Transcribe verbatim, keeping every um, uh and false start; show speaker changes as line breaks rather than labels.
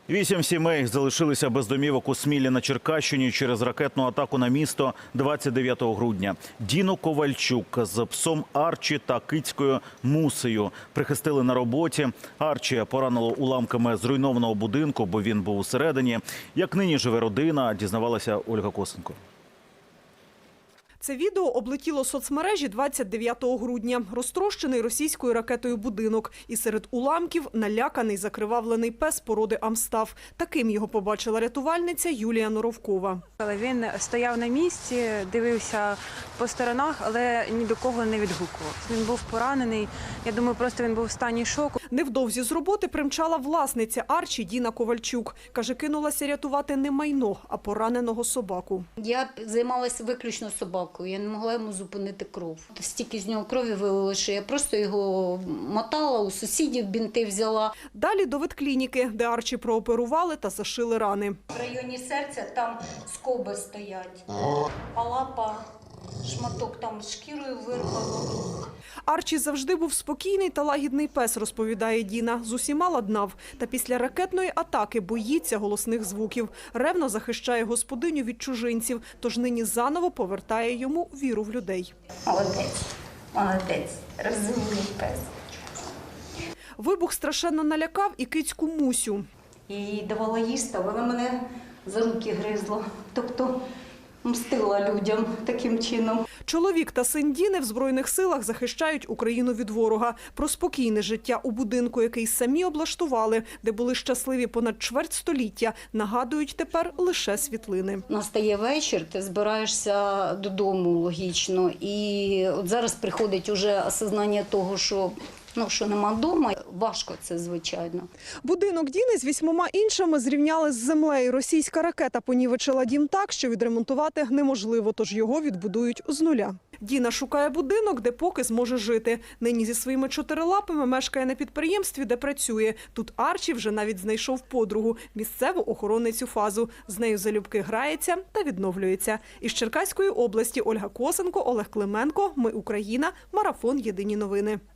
Вісім сімей залишилися без домівок у Смілі на Черкащині через ракетну атаку на місто двадцять дев'ятого грудня. Діну Ковальчук з псом Арчі та кицькою Мусею прихистили на роботі. Арчі поранило уламками зруйнованого будинку, бо він був усередині. Як нині живе родина, дізнавалася Ольга Косенко.
Це відео облетіло соцмережі двадцять дев'ятого грудня. Розтрощений російською ракетою будинок. І серед уламків наляканий закривавлений пес породи Амстаф. Таким його побачила рятувальниця Юлія Норовкова.
Він стояв на місці, дивився по сторонах, але ні до кого не відгукувався. Він був поранений. Я думаю, просто він був в стані шоку.
Невдовзі з роботи примчала власниця Арчі Діна Ковальчук. Каже, кинулася рятувати не майно, а пораненого собаку.
Я займалася виключно собакою. Я не могла йому зупинити кров. Стільки з нього крові вилило, що я просто його мотала, у сусідів бінти взяла.
Далі до ветклініки, де Арчі прооперували та зашили рани.
В районі серця там скоби стоять, а лапа, шматок там з шкірою вирвало.
Арчі завжди був спокійний та лагідний пес, розповідає Діна. З усіма ладнав. Та після ракетної атаки боїться голосних звуків. Ревно захищає господиню від чужинців, тож нині заново повертає йому віру в людей.
Молодець, молодець, розумний пес.
Вибух страшенно налякав і кицьку Мусю.
Я їй давала їсти, вона мене за руки гризла. Тобто мстила людям таким чином.
Чоловік та син Діни в Збройних силах захищають Україну від ворога. Про спокійне життя у будинку, який самі облаштували, де були щасливі понад чверть століття, нагадують тепер лише світлини.
Настає вечір, ти збираєшся додому логічно. І от зараз приходить уже осознання того, що Ну, що нема вдома, важко це, звичайно.
Будинок Діни з вісьмома іншими зрівняли з землею. Російська ракета понівечила дім так, що відремонтувати неможливо, тож його відбудують з нуля. Діна шукає будинок, де поки зможе жити. Нині зі своїми чотирилапами мешкає на підприємстві, де працює. Тут Арчі вже навіть знайшов подругу – місцеву охоронницю ФАЗу. З нею залюбки грається та відновлюється. Із Черкаської області Ольга Косенко, Олег Клименко. Ми Україна. Марафон. Єдині новини.